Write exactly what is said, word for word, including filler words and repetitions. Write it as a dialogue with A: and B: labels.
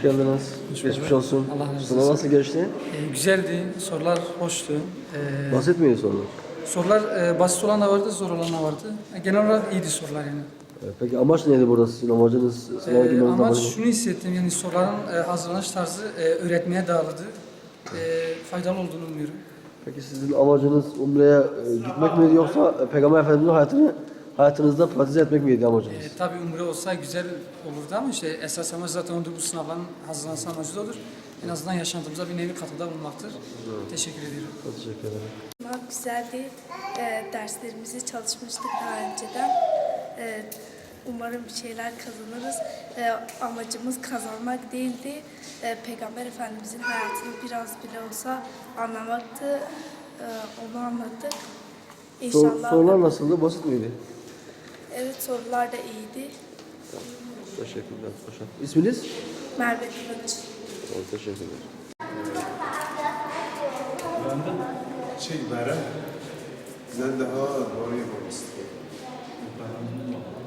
A: Hoş geldiniz.
B: Hoş
A: Geçmiş
B: bulduk.
A: olsun.
B: Allah razı olsun.
A: Sınav nasıl geçti?
B: Ee, güzeldi, sorular hoştu. Ee,
A: Basit miydi sorular?
B: sorular e, basit olan da vardı, zor olan da vardı. E, genel olarak iyiydi sorular yani.
A: Ee, Peki amaç neydi burada sizin amacınız? Sınava
B: Ee,
A: girmenizin
B: ama
A: amacı ne?
B: şunu hissettim, yani soruların e, hazırlanış tarzı e, öğretmeye dağıldı. E, faydalı olduğunu umuyorum.
A: Peki sizin amacınız Umre'ye e, gitmek miydi yoksa e, Peygamber Efendimiz'in hayatını hayatınızda pratize etmek miydi amacınız?
B: E, tabii umre olsa güzel olurdu ama işte esas amaç zaten ondur, bu sınavların hazırlanması amacı da odur. En azından yaşantımıza bir nevi katkıda bulunmaktır. Evet. Teşekkür ediyorum.
A: Teşekkür ederim.
C: Sınav güzeldi. E, derslerimizi çalışmıştık daha önceden. E, umarım bir şeyler kazanırız. E, amacımız kazanmak değildi. E, Peygamber Efendimizin hayatını biraz bile olsa anlamaktı. E, onu anlattık.
A: Sor,
C: İnşallah.
A: sorular nasıldı? Basit miydi?
C: Evet, sorular da iyiydi.
A: Teşekkürler. Paşa. İsminiz?
C: Merve Kılıç.
A: Tamam, teşekkürler.
D: Şey, Bayram. Ben daha doğru yapmak istiyorum.